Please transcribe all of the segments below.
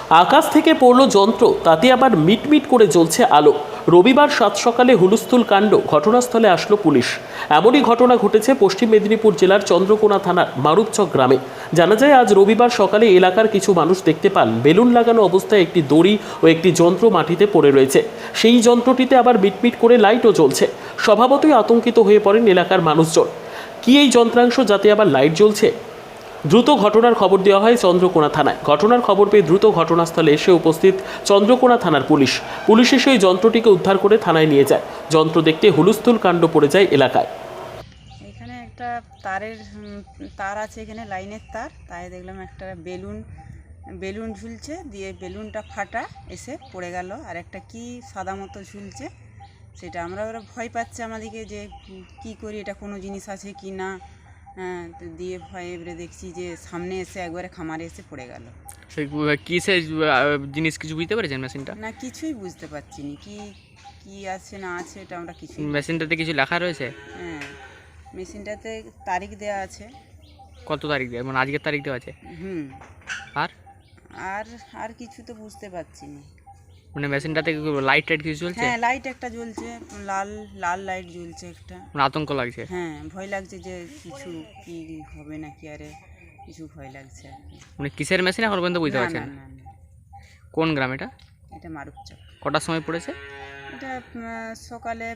আকাশ থেকে পড়ল যন্ত্র, তাতে আবার মিটমিট করে জ্বলছে আলো। রবিবার সাত সকালে হুলস্থুল কাণ্ড, ঘটনাস্থলে আসলো পুলিশ। এমনই ঘটনা ঘটেছে পশ্চিম মেদিনীপুর জেলার চন্দ্রকোনা থানার মারুপচক গ্রামে। জানা যায়, আজ রবিবার সকালে এলাকার কিছু মানুষ দেখতে পান বেলুন লাগানো অবস্থায় একটি দড়ি ও একটি যন্ত্র মাটিতে পড়ে রয়েছে। সেই যন্ত্রটিতে আবার মিটমিট করে লাইটও জ্বলছে। স্বভাবতই আতঙ্কিত হয়ে পড়েন এলাকার মানুষজন। কি এই যন্ত্রাংশ, যাতে আবার লাইট জ্বলছে? দ্রুত ঘটনার খবর দেওয়া হয় চন্দ্রকোনা থানায়। ঘটনার খবর পেয়ে দ্রুত ঘটনাস্থলে এসে উপস্থিত চন্দ্রকোনা থানার পুলিশ এসে ওই যন্ত্রটিকে উদ্ধার করে থানায় নিয়ে যায়। যন্ত্র দেখতে হুলস্থুল কাণ্ড পড়ে যায় এলাকায়। এখানে একটা তার আছে, এখানে লাইনের তার, তাই দেখলাম একটা বেলুন ঝুলছে, দিয়ে বেলুনটা ফাটা এসে পড়ে গেল। আর একটা কি সাদা মতো ঝুলছে, সেটা আমরা ভয় পাচ্ছে আমাদেরকে যে কি করি, এটা কোনো জিনিস আছে কি না। হ্যাঁ, তো দিয়ে ভয়ে এবারে দেখছি যে সামনে এসে একবারে খামারে এসে পড়ে গেল। কিসের জিনিস কিছু বুঝতে পেরেছেন মেশিনটা? না, কিছুই বুঝতে পারছি না কি কি আছে না আছে, এটা আমরা কিছুই। মেশিনটাতে কিছু লেখা রয়েছে? হ্যাঁ, মেশিনটাতে তারিখ দেওয়া আছে। কত তারিখ দেওয়া, মানে আজকের তারিখ দেওয়া আছে? হুম। আর আর আর কিছু তো বুঝতে পারছি না। মানে মেশিনটাতে লাইট টাইট কিছু চলছে? হ্যাঁ, লাইট একটা জ্বলছে, লাল লাল লাইট জ্বলছে একটা। মানে আতঙ্ক লাগছে? হ্যাঁ, ভয় লাগছে যে কিছু কি হবে নাকি, আরে কিছু ভয় লাগছে আর কি। মানে কিসের মেশিন এখন পর্যন্ত বুঝতে না পারছেন না না? না না, কোন গ্রাম এটা? এটা মারুপচক। কটার সময় পড়েছে? এটা সকালে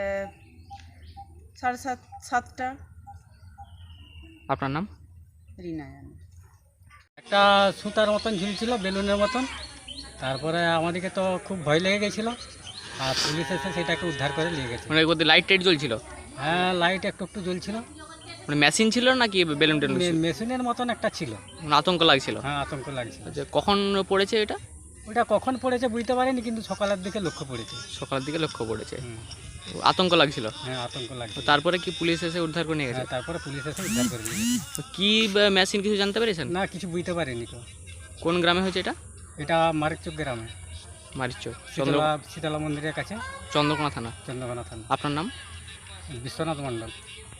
7:30 আপনার নাম? রিনা জানে। একটা সুতার মতন ঝুলছিল, বেলুনের মতন। তারপরে আমাদেরকে তো খুব ভয় লেগে গেছিলো, আর পুলিশ এসে সেটাকে উদ্ধার করে নিয়ে গেছে। মানে ওদের লাইট টাইট জ্বলছিল? হ্যাঁ, লাইট একটু একটু জ্বলছিল। মানে মেশিন ছিল নাকি বেলুন টেলুন ছিল? মেশিনের মতন একটা ছিল। মানে আতঙ্ক লাগছিল? হ্যাঁ, আতঙ্ক লাগছিল। আচ্ছা, কখন পড়েছে এটা? ওটা কখন পড়েছে বুঝতে পারিনি, কিন্তু সকালের দিকে লক্ষ্য পড়েছে। সকালের দিকে লক্ষ্য পড়েছে। হুম। তো আতঙ্ক লাগছিল? হ্যাঁ, আতঙ্ক তো লাগছিল। তারপরে কি পুলিশ এসে উদ্ধার করে নিয়ে গেছে? হ্যাঁ, তারপরে পুলিশ এসে উদ্ধার করে নিয়ে গেছে। তো কি মেশিন কিছু জানতে পেরেছেন? না, কিছু বুঝতে পারিনি তো। কোন গ্রামে হয়েছে এটা? এটা মারিচক গ্রামে, মারিচক, শীতলা মন্দিরের কাছে, চন্দ্রকোনা থানা। চন্দ্রকোনা থানা। আপনার নাম? বিশ্বনাথ মণ্ডল।